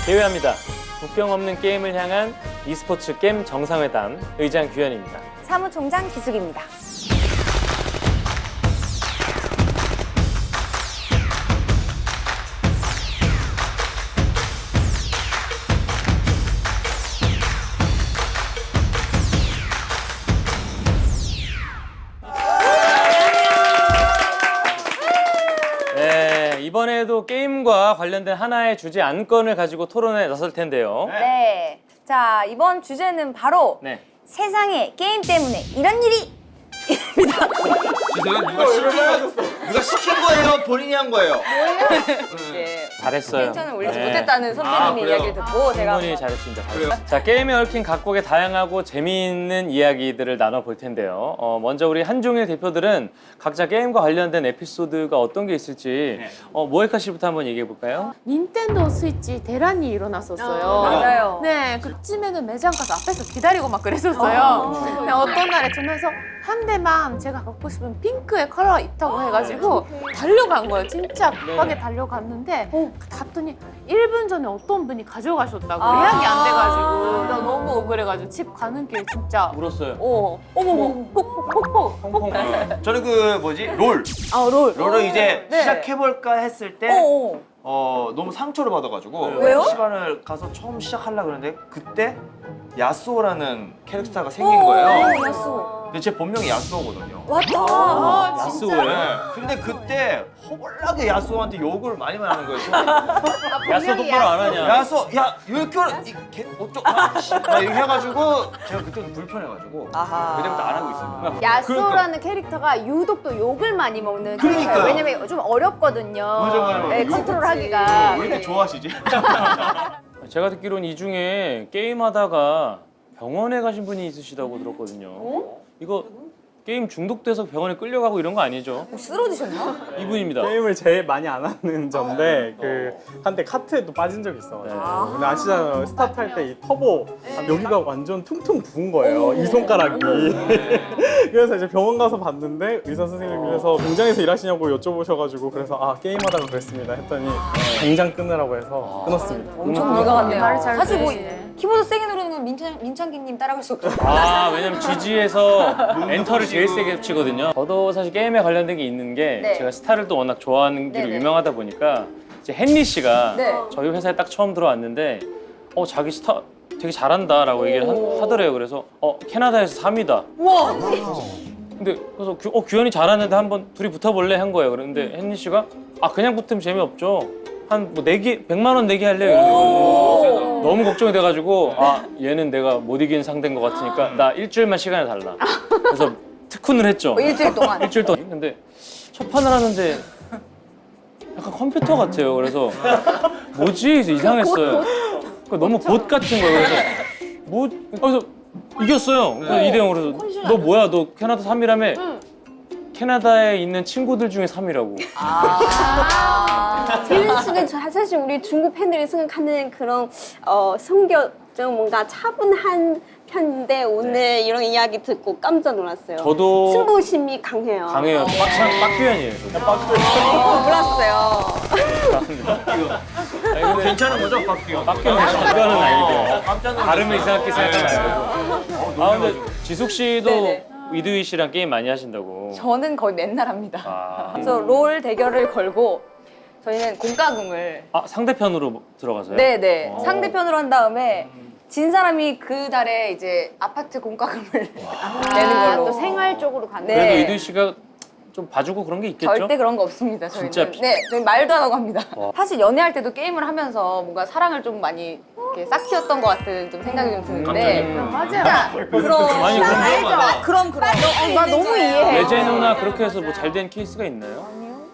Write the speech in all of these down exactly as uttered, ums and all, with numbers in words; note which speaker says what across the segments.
Speaker 1: 대회합니다. 국경 없는 게임을 향한 e스포츠 게임 정상회담 의장 규현입니다.
Speaker 2: 사무총장 기숙입니다.
Speaker 1: 네, 이번에도 게임과 관련된 하나의 주제 안건을 가지고 토론에 나설 텐데요.
Speaker 2: 네. 자, 이번 주제는 바로
Speaker 1: 네.
Speaker 2: 세상에 게임 때문에 이런 일이
Speaker 3: 죄송해요. 누가 시킨 거 누가 시킨 거예요? 본인이 한 거예요?
Speaker 2: 네.
Speaker 1: 잘했어요.
Speaker 2: 텐션을 올리지
Speaker 1: 네.
Speaker 2: 못했다는
Speaker 3: 아,
Speaker 2: 선배님의
Speaker 3: 그래요?
Speaker 2: 이야기를 듣고 제가
Speaker 1: 충분히
Speaker 2: 한번
Speaker 1: 잘했습니다.
Speaker 3: 그래요?
Speaker 1: 자, 게임에 얽힌 각국의 다양하고 재미있는 이야기들을 나눠볼 텐데요. 어, 먼저 우리 한종일 대표들은 각자 게임과 관련된 에피소드가 어떤 게 있을지
Speaker 3: 네.
Speaker 1: 어, 모에카 씨부터 한번 얘기해 볼까요?
Speaker 4: 닌텐도 스위치 대란이 일어났었어요.
Speaker 2: 맞아요.
Speaker 4: 네, 그쯤에는 매장 가서 앞에서 기다리고 막 그랬었어요. 근데 어떤 날에 전화해서 한 대만 제가 갖고 싶은 핑크의 컬러 있다고 해가지고 달려간 거예요. 진짜 급하게 달려갔는데 갔더니 일 분 전에 어떤 분이 가져가셨다고
Speaker 2: 아.
Speaker 4: 예약이 안 돼가지고 나 너무 억울해가지고 집 가는 길 진짜
Speaker 1: 울었어요.
Speaker 4: 어, 어머머, 폭폭폭폭.
Speaker 1: 펑펑.
Speaker 3: 저는 그 뭐지 롤
Speaker 2: 아, 롤.
Speaker 3: 롤을 이제
Speaker 2: 네.
Speaker 3: 시작해볼까 했을 때
Speaker 2: 어, 어.
Speaker 3: 어, 너무 상처를 받아가지고
Speaker 2: 왜요?
Speaker 3: 시간을 가서 처음 시작하려고 그러는데 그때 야스오라는 캐릭터가 생긴 거예요.
Speaker 2: 오, 야수.
Speaker 3: 근데 제 본명이 야스오거든요.
Speaker 2: 왔다.
Speaker 4: 아,
Speaker 1: 야스오예요?
Speaker 3: 네. 근데 그때 허벌나게 야스오한테 욕을 많이 많이 하는 거예요.
Speaker 1: 야스 똑바로 안 하냐?
Speaker 3: 야스오, 야, 이렇게 이개 어쩌? 막 이렇게 해가지고 제가 그때 불편해가지고
Speaker 2: 아하.
Speaker 3: 그때부터 안 하고 있어요.
Speaker 5: 야스오라는 캐릭터가 유독 또 욕을 많이 먹는
Speaker 3: 그러니까요.
Speaker 5: 캐릭터예요. 왜냐면 좀 어렵거든요.
Speaker 3: 맞아, 맞아, 맞아.
Speaker 5: 네,
Speaker 3: 욕
Speaker 5: 컨트롤하기가.
Speaker 3: 왜 이렇게 좋아하시지?
Speaker 1: 제가 듣기로는 이 중에 게임하다가 병원에 가신 분이 있으시다고 들었거든요. 이거 게임 중독돼서 병원에 끌려가고 이런 거 아니죠?
Speaker 2: 쓰러지셨나?
Speaker 1: 이분입니다.
Speaker 6: 게임을 제일 많이 안 하는 저인데 그 한때 카트에도 빠진 적이 있어가지고
Speaker 1: 네.
Speaker 6: 근데 아시잖아요 스타트 할 때 이 터보 여기가 완전 퉁퉁 부은 거예요 이 손가락이 그래서 이제 병원 가서 봤는데 의사 선생님께서 공장에서 일하시냐고 여쭤보셔가지고 그래서 아 게임하다가 그랬습니다 했더니 당장 끊으라고 해서 끊었습니다.
Speaker 2: 엄청 뇌가 갔네요.
Speaker 4: 말을 잘
Speaker 2: 사실 뭐
Speaker 4: 들으시네.
Speaker 2: 키보드 세게 누르는 건 민창, 민창기님 따라갈 수 없죠.
Speaker 1: 아, 왜냐면 지지에서 엔터를 제일 세게 치거든요. 저도 사실 게임에 관련된 게 있는 게
Speaker 2: 네.
Speaker 1: 제가 스타를 또 워낙 좋아하는 길로
Speaker 2: 네네.
Speaker 1: 유명하다 보니까 이제 헨리 씨가
Speaker 2: 네.
Speaker 1: 저희 회사에 딱 처음 들어왔는데 어 자기 스타 되게 잘한다라고 얘기를 하, 하더래요. 그래서 어 캐나다에서 삼 위다.
Speaker 2: 우와.
Speaker 1: 근데 그래서 규, 어 규현이 잘하는데 한번 둘이 붙어볼래 한 거예요. 그런데 헨리 씨가 아 그냥 붙으면 재미없죠. 한 뭐 내기 백만 원 내기 할래요. 이러는 너무 걱정이 돼가지고 아 얘는 내가 못 이기는 상대인 것 같으니까 나 일주일만 시간을 달라. 그래서 특훈을 했죠.
Speaker 2: 뭐 일주일 동안.
Speaker 1: 일주일 동안. 근데 첫 판을 하는데 약간 컴퓨터 같아요. 그래서 뭐지? 그래서 이상했어요. 그러니까 너무 봇 같은 거예요. 그래서 뭐 그래서 이겼어요. 그래서 이 대 영으로 그래서 너 뭐야? 너 캐나다 삼 위라며? 캐나다에 있는 친구들 중에 삼 위라고.
Speaker 5: 재윤 씨는 저- 사실 우리 중국 팬들이 생각하는 그런 어, 성격 좀 뭔가 차분한 편인데 오늘 이런 이야기 듣고 깜짝 놀랐어요.
Speaker 1: 저도
Speaker 5: 승부심이 강해요.
Speaker 1: 강해요. 빡창 빡규현이에요. 저도.
Speaker 5: 어, 몰랐어요.
Speaker 1: 아니, 근데
Speaker 3: 괜찮은 거죠, 박기영?
Speaker 1: 빡규현 이거는 아니고
Speaker 3: 깜짝 놀랐어요.
Speaker 1: 발음을 이상하게 생각하면 안 되고. 아 근데 지숙 씨도
Speaker 2: 네네.
Speaker 1: 이두희 씨랑 게임 많이 하신다고.
Speaker 2: 저는 거의 맨날 합니다.
Speaker 1: 아,
Speaker 2: 그래서 롤 대결을 걸고 저희는 공과금을
Speaker 1: 아 상대편으로 들어가서요?
Speaker 2: 네네
Speaker 1: 어.
Speaker 2: 상대편으로 한 다음에 진 사람이 그 달에 이제 아파트 공과금을 내는
Speaker 5: 아,
Speaker 2: 걸로.
Speaker 5: 또 생활 쪽으로 가는.
Speaker 2: 네.
Speaker 1: 그래도 이두희 씨가 좀 봐주고 그런 게 있겠죠?
Speaker 2: 절대 그런 거 없습니다. 저희는.
Speaker 1: 진짜 피-
Speaker 2: 네, 저희 말도 안 하고 합니다.
Speaker 1: 와.
Speaker 2: 사실 연애할 때도 게임을 하면서 뭔가 사랑을 좀 많이 이렇게 싹 키웠던 것 같은 좀 생각이 좀 드는데.
Speaker 1: 음.
Speaker 4: 맞아요.
Speaker 2: 그럼
Speaker 1: 많이 그런
Speaker 2: 알죠? 아, 그럼 그럼.
Speaker 5: 어, 나 너무 이해해.
Speaker 1: 레제노나 그렇게 해서 뭐 잘 된 케이스가 있나요?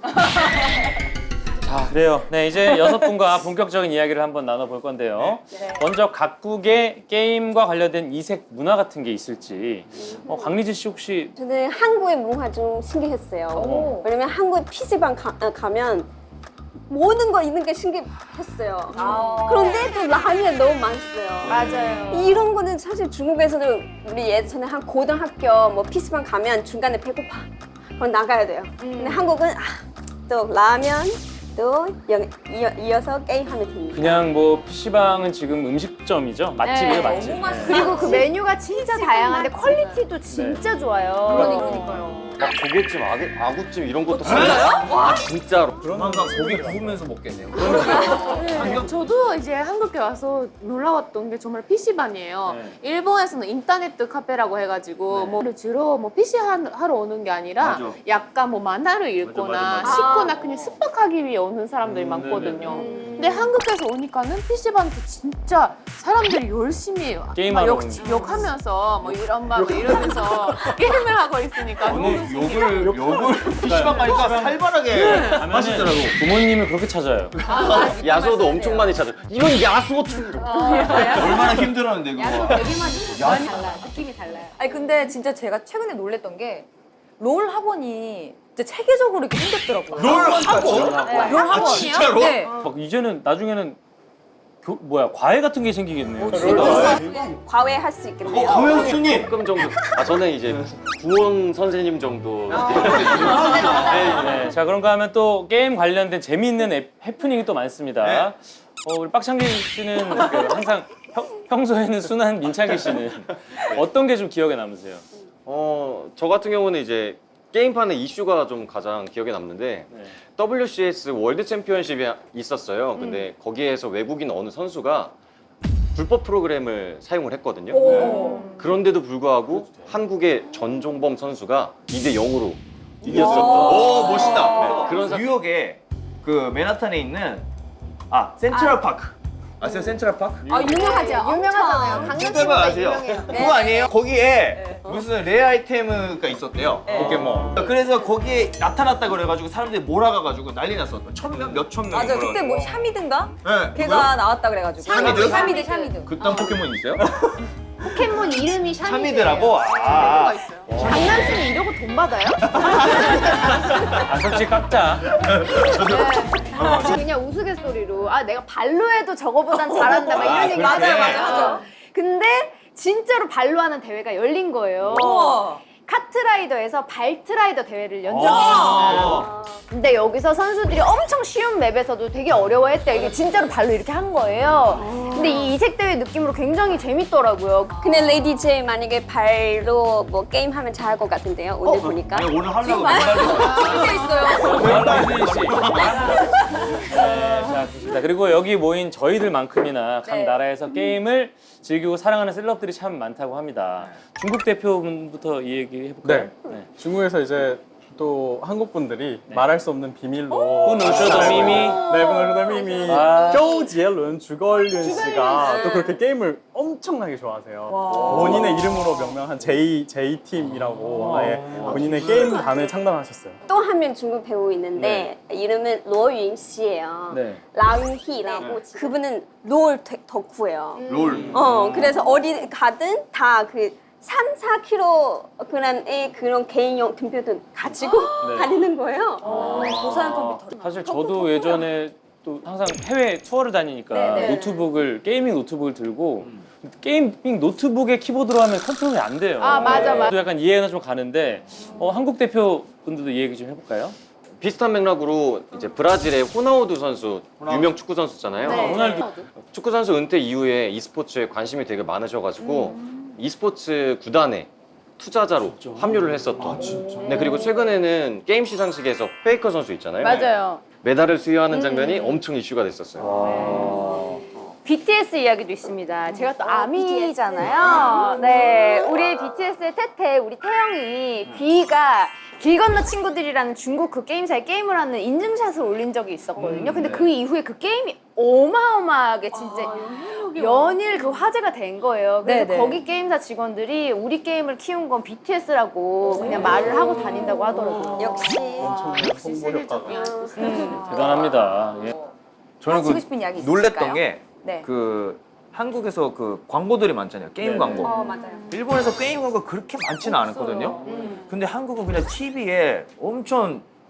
Speaker 1: 자, 그래요. 네, 이제 여섯 분과 본격적인 이야기를 한번 나눠볼 건데요.
Speaker 2: 네.
Speaker 1: 먼저 각국의 게임과 관련된 이색 문화 같은 게 있을지. 어, 강리지 씨 혹시
Speaker 5: 저는 한국의 문화 좀 신기했어요.
Speaker 2: 오.
Speaker 5: 왜냐면 한국 피시방 가, 어, 가면 모든 거 있는 게 신기했어요.
Speaker 2: 아.
Speaker 5: 그런데 또 라면이 너무 맛있어요.
Speaker 2: 맞아요.
Speaker 5: 이런 거는 사실 중국에서도 우리 예전에 한 고등학교 뭐 피시방 가면 중간에 배고파. 그럼 나가야 돼요. 근데 한국은 아, 또 라면 때도 여, 이어, 이어서 게임하면 됩니다.
Speaker 1: 그냥 뭐 피시방은 지금 음식점이죠? 맛집이에요,
Speaker 2: 네,
Speaker 1: 맛집.
Speaker 2: 너무 맛있어요.
Speaker 4: 그리고 그 메뉴가 진짜 다양한데 퀄리티도 진짜 좋아요.
Speaker 2: 그러니까요.
Speaker 7: 막 조개찜, 아구, 아구찜 이런 것도 진짜요? 와 진짜로.
Speaker 3: 조만간 고기 구우면서 먹겠네요.
Speaker 4: 네, 저도 이제 한국에 와서 놀라웠던 게 정말 피시방이에요.
Speaker 1: 네.
Speaker 4: 일본에서는 인터넷 카페라고 해가지고 뭐 주로 뭐 피시 하러 오는 게 아니라
Speaker 3: 맞아.
Speaker 4: 약간 뭐 만화를 읽거나
Speaker 1: 맞아, 맞아.
Speaker 4: 씻거나 그냥 숙박하기 위해 오는 사람들이
Speaker 1: 음,
Speaker 4: 많거든요.
Speaker 1: 네네.
Speaker 4: 근데 한국에서 오니까는 피시방도 진짜 사람들이 열심히 해요.
Speaker 1: 게임하러
Speaker 4: 막 욕, 욕하면서 뭐 이런 막 이러면서 게임을 하고 있으니까 너무
Speaker 3: 오늘
Speaker 4: 신기해요.
Speaker 3: 욕을 욕을 피시방 가니까 살벌하게 하시더라고.
Speaker 1: 부모님을 그렇게 찾아요.
Speaker 7: 야수도 엄청 많이 찾아. 이건 야수어촌.
Speaker 3: 얼마나 힘들었는데 그거.
Speaker 2: 되게 많이 많이 달라요. 느낌이 달라요. 아니 근데 진짜 제가 최근에 놀랬던 게 롤 학원이 진짜 체계적으로 이렇게 생겼더라고요.
Speaker 3: 롤 학원?
Speaker 2: 네, 롤 학원.
Speaker 3: 진짜로?
Speaker 2: 네.
Speaker 1: 막 이제는 나중에는 교, 뭐야 과외 같은 게 생기겠네요.
Speaker 5: 과외할 수 있겠네요.
Speaker 3: 과외 스님.
Speaker 7: 조금 정도. 아 저는 이제 구원 선생님 정도.
Speaker 1: 네, 자 그런가 하면 또 게임 관련된 재미있는 앱, 해프닝이 또 많습니다.
Speaker 3: 네.
Speaker 1: 어, 우리 빡창기 씨는 그 항상 평, 평소에는 순한 민창기 씨는 어떤 게 좀 기억에 남으세요?
Speaker 7: 어, 저 같은 경우는 이제 게임판의 이슈가 좀 가장 기억에 남는데
Speaker 1: 네.
Speaker 7: 더블유씨에스 월드 챔피언십이 있었어요. 근데 거기에서 외국인 어느 선수가 불법 프로그램을 사용을 했거든요. 네. 그런데도 불구하고 한국의 전종범 선수가 이 대 영으로 이겼었던
Speaker 3: 오 멋있다.
Speaker 7: 네, 그런 사-
Speaker 3: 뉴욕에 그 맨하탄에 있는 아 센트럴 파크. 아세요 센트럴 파크?
Speaker 2: 아 유명하죠. 유명하잖아요.
Speaker 3: 센트럴 파크 아세요? 그거 아니에요? 거기에 무슨 레어 아이템가 있었대요. 포켓몬. 그래서 거기에 나타났다 그래가지고 사람들이 몰아가가지고 난리 났었던. 천명 몇천 명.
Speaker 2: 맞아. 그때 뭐 샤미든가?
Speaker 3: 네.
Speaker 2: 걔가 나왔다 그래가지고.
Speaker 3: 샤미드?
Speaker 2: 샤미드 샤미드.
Speaker 3: 그딴 포켓몬 있어요?
Speaker 4: 포켓몬 이름이 샤미드예요.
Speaker 3: 샤미드라고?
Speaker 4: 샤미드가
Speaker 3: 아.
Speaker 4: 있어요. 강남시는 이러고 돈 받아요?
Speaker 1: 아 솔직히 깎자.
Speaker 4: 네. 그냥 우스갯소리로 아 내가 발로 해도 저거보단 잘한다 막 이런 얘기
Speaker 3: 그렇게.
Speaker 4: 맞아요 맞아요 맞아요. 근데 진짜로 발로 하는 대회가 열린 거예요.
Speaker 2: 우와.
Speaker 4: 카트라이더에서 발트라이더 대회를 연 적이
Speaker 3: 아.
Speaker 4: 있어요. 근데 여기서 선수들이 엄청 쉬운 맵에서도 되게 어려워했대요. 이게 진짜로 발로 이렇게 한 거예요. 근데 이 이색 대회 느낌으로 굉장히 재밌더라고요.
Speaker 5: 근데 레이디 제이 만약에 발로 뭐 게임하면 잘할 것 같은데요. 오늘 보니까.
Speaker 3: 내가 오늘 하려고
Speaker 2: 게 있어요.
Speaker 1: 박민 씨. 네, 자 좋습니다. 그리고 여기 모인 저희들만큼이나 각
Speaker 2: 네.
Speaker 1: 나라에서 게임을 즐기고 사랑하는 셀럽들이 참 많다고 합니다. 중국 대표분부터 이 얘기 해볼까요?
Speaker 6: 네. 중국에서 이제 또 한국 분들이
Speaker 1: 네.
Speaker 6: 말할 수 없는 비밀로
Speaker 1: 분우쇼더 미미.
Speaker 6: 네, 분우쇼더 미미
Speaker 1: 아.
Speaker 6: 쪼지엘룬 주걸륜 씨가 또 그렇게 게임을 엄청나게 좋아하세요. 본인의 이름으로 명명한 J J 팀이라고 아예 본인의 게임단을 창단하셨어요.
Speaker 5: 또 한 명 중국 배우 있는데 이름은 로윤 씨예요.
Speaker 1: 네.
Speaker 5: 라윤희라고 그분은 롤 덕- 덕후예요.
Speaker 3: 롤.
Speaker 5: 어 그래서 어디 가든 다 그 삼, 사 킬로그램의 그런 개인용 컴퓨터 가지고
Speaker 1: 네.
Speaker 5: 다니는 거예요.
Speaker 2: 고사양 컴퓨터.
Speaker 1: 사실 저도 예전에 또 항상 해외 투어를 다니니까
Speaker 2: 네, 네.
Speaker 1: 노트북을 게이밍 노트북을 들고 게이밍 노트북에 키보드로 하면 컨트롤이 안 돼요.
Speaker 4: 아, 맞아, 맞아.
Speaker 1: 저도 약간 이해가 좀 가는데 어, 한국 대표분들도 이 얘기 좀 해볼까요?
Speaker 7: 비슷한 맥락으로 이제 브라질의 호나우두 선수 유명 축구 선수잖아요.
Speaker 1: 아, 호날두.
Speaker 7: 축구 선수 은퇴 이후에 e스포츠에 관심이 되게 많으셔가지고 e스포츠 구단에 투자자로 합류를 했었던. 네, 그리고 최근에는 게임 시상식에서 페이커 선수 있잖아요.
Speaker 4: 맞아요.
Speaker 7: 메달을 수여하는 장면이 엄청 이슈가 됐었어요.
Speaker 4: 비티에스 이야기도 있습니다. 제가 또 아미잖아요. 네, 우리 비티에스의 태태, 우리 태영이 비가 길 건너 친구들이라는 중국 그 게임사에 게임을 하는 인증샷을 올린 적이 있었거든요. 근데 그 이후에 그 게임이 어마어마하게 진짜 연일 그 화제가 된 거예요. 그래서
Speaker 2: 네네.
Speaker 4: 거기 게임사 직원들이 우리 게임을 키운 건 비티에스라고 그냥 말을 하고 다닌다고 하더라고요.
Speaker 5: 역시
Speaker 6: 홍보 효과가.
Speaker 1: 대단합니다. 예.
Speaker 3: 저는
Speaker 2: 하시고
Speaker 3: 그
Speaker 2: 싶은 이야기
Speaker 3: 놀랬던
Speaker 2: 있으실까요?
Speaker 3: 게
Speaker 2: 네.
Speaker 3: 그 한국에서 그 광고들이 많잖아요. 게임
Speaker 1: 네.
Speaker 3: 광고.
Speaker 5: 어 맞아요.
Speaker 3: 일본에서 게임 광고 그렇게 많지는 않았거든요. 근데 한국은 그냥 티비에 엄청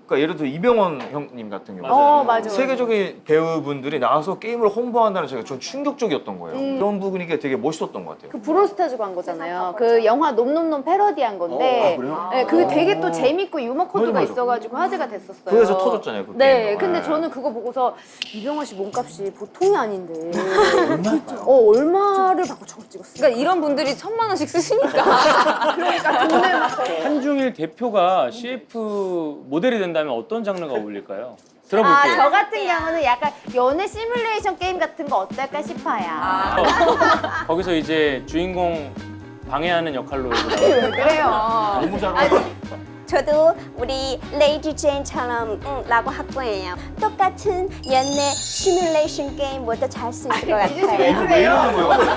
Speaker 3: 그러니까 예를 들어 이병헌 형님 같은 경우
Speaker 4: 어, 맞아.
Speaker 3: 세계적인 배우분들이 나와서 게임을 홍보한다는 제가 전 충격적이었던 거예요. 그런 부분이 되게 멋있었던 것 같아요.
Speaker 8: 그 브로스타즈가 한 거잖아요. 그 영화 놈놈놈 패러디한 건데, 네, 그게 되게 또 재밌고 유머 코드가
Speaker 3: 맞아, 맞아.
Speaker 8: 있어가지고 화제가 됐었어요.
Speaker 3: 그래서 터졌잖아요. 그
Speaker 8: 네,
Speaker 3: 게임도.
Speaker 8: 근데
Speaker 3: 네.
Speaker 8: 저는 그거 보고서 이병헌 씨 몸값이 보통이 아닌데, 어 얼마를 받고 저걸 찍었어요?
Speaker 2: 그러니까 이런 분들이 천만 원씩 쓰시니까.
Speaker 8: 그러니까 돈을 막
Speaker 1: 한중일 대표가 씨에프 모델이 된다면 어떤 장르가 어울릴까요?
Speaker 8: 아,
Speaker 1: 들어볼게요.
Speaker 8: 저 같은 경우는 약간 연애 시뮬레이션 게임 같은 거 어떨까 싶어요.
Speaker 1: 어, 거기서 이제 주인공 방해하는 역할로 이제 나와요.
Speaker 8: 그래요.
Speaker 3: 너무 잘 어울려.
Speaker 5: 저도 우리 레이디 제인처럼 응, 라고 할 거예요. 똑같은 연애 시뮬레이션 게임보다 잘 수 있을 것 같아요.
Speaker 3: 왜 이러는 거예요?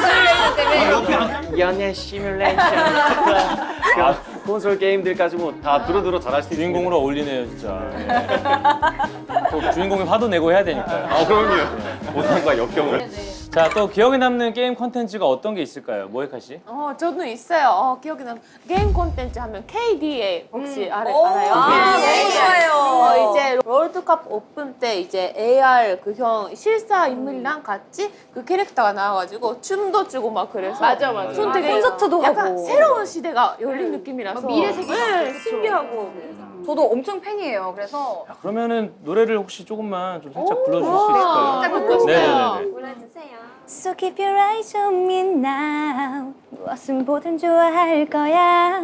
Speaker 7: 연애 시뮬레이션. 아, 콘솔 게임들까지 뭐 다 두루두루 잘할 수 있는
Speaker 1: 주인공으로 어울리네요, 진짜. 예. 또 주인공이 화도 내고 해야 되니까요.
Speaker 7: 아, 그럼요. 못한과 역경을.
Speaker 1: 자, 또 기억에 남는 게임 콘텐츠가 어떤 게 있을까요? 모에카 씨?
Speaker 4: 어, 저도 있어요. 어, 기억에 남는 게임 콘텐츠 하면 케이디에이 혹시 알아,
Speaker 2: 오,
Speaker 4: 알아요?
Speaker 2: 아,
Speaker 4: 케이디에이.
Speaker 2: 너무 좋아요.
Speaker 4: 어, 이제 월드컵 오픈 때 이제 에이알 그 형 실사 인물이랑 같이 그 캐릭터가 나와가지고 춤도 추고 막 그래서
Speaker 8: 맞아, 맞아.
Speaker 4: 손 되게
Speaker 2: 콘서트도
Speaker 4: 약간
Speaker 2: 하고.
Speaker 4: 새로운 시대가 열린 느낌이라서
Speaker 8: 미래 세계
Speaker 4: 네,
Speaker 8: 같고,
Speaker 4: 신기하고
Speaker 2: 저도 엄청 팬이에요. 그래서
Speaker 1: 자, 그러면은 노래를 혹시 조금만 좀 살짝 불러주실 수
Speaker 4: 진짜
Speaker 1: 있을까요?
Speaker 4: 듣고 싶어요.
Speaker 1: 네네네.
Speaker 5: 불러주세요.
Speaker 2: So keep your eyes on me now. 무엇은 보든 좋아할 거야.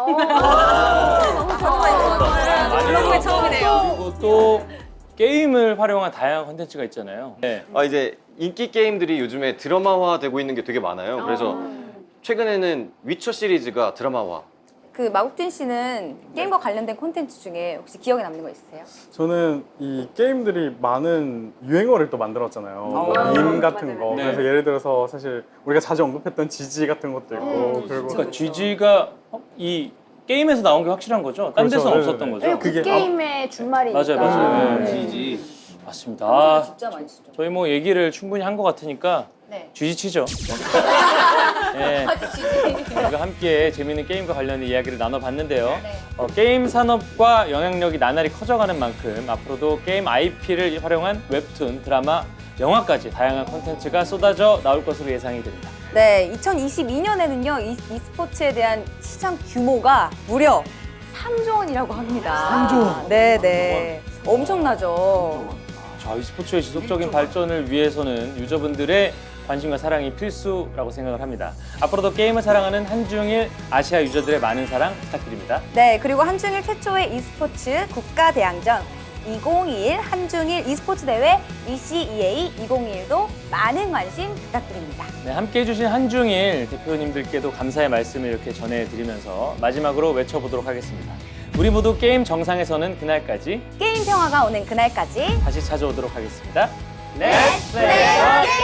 Speaker 2: 블로그의 처음이네요.
Speaker 1: 그리고 또 게임을 활용한 다양한 콘텐츠가 있잖아요. 네.
Speaker 7: 아, 이제 인기 게임들이 요즘에 드라마화 되고 있는 게 되게 많아요. 그래서 최근에는 위쳐 시리즈가 드라마화.
Speaker 2: 그 마국진 씨는 게임과 관련된 콘텐츠 중에 혹시 기억에 남는 거 있으세요?
Speaker 6: 저는 이 게임들이 많은 유행어를 또 만들었잖아요. 뭐 밈 같은 거.
Speaker 1: 네.
Speaker 6: 그래서 예를 들어서 사실 우리가 자주 언급했던 지지 같은 것도 있고 그리고
Speaker 1: 그러니까 지지가 이 게임에서 나온 게 확실한 거죠? 딴
Speaker 6: 그렇죠.
Speaker 1: 데서
Speaker 6: 네네네.
Speaker 1: 없었던 거죠?
Speaker 8: 네, 그
Speaker 6: 그게-
Speaker 8: 게임의 준말이니까.
Speaker 1: 맞아요, 맞아요. 네.
Speaker 3: 지지.
Speaker 1: 맞습니다. 아,
Speaker 2: 진짜 많이 쓰죠.
Speaker 1: 저희 뭐 얘기를 충분히 한 것 같으니까
Speaker 2: 네.
Speaker 1: 쥐지치죠. 네. 우리가 함께 재미있는 게임과 관련된 이야기를 나눠봤는데요. 어, 게임 산업과 영향력이 나날이 커져가는 만큼 앞으로도 게임 아이피를 활용한 웹툰, 드라마, 영화까지 다양한 콘텐츠가 쏟아져 나올 것으로 예상이 됩니다.
Speaker 2: 네, 이천이십이 년에는요, 이, e스포츠에 대한 시장 규모가 무려 삼조 원이라고 합니다. 삼조 원? 네네. 엄청나죠.
Speaker 1: 자, e스포츠의 지속적인 발전을 위해서는 유저분들의 관심과 사랑이 필수라고 생각을 합니다. 앞으로도 게임을 사랑하는 한중일 아시아 유저들의 많은 사랑 부탁드립니다.
Speaker 2: 네, 그리고 한중일 최초의 e스포츠 국가대항전 이천이십일 한중일 e스포츠 대회 이씨이에이 이천이십일도 많은 관심 부탁드립니다.
Speaker 1: 네, 함께해 주신 한중일 대표님들께도 감사의 말씀을 이렇게 전해드리면서 마지막으로 외쳐보도록 하겠습니다. 우리 모두 게임 정상에서는 그날까지
Speaker 2: 게임 평화가 오는 그날까지
Speaker 1: 다시 찾아오도록 하겠습니다.
Speaker 2: Let's play the game!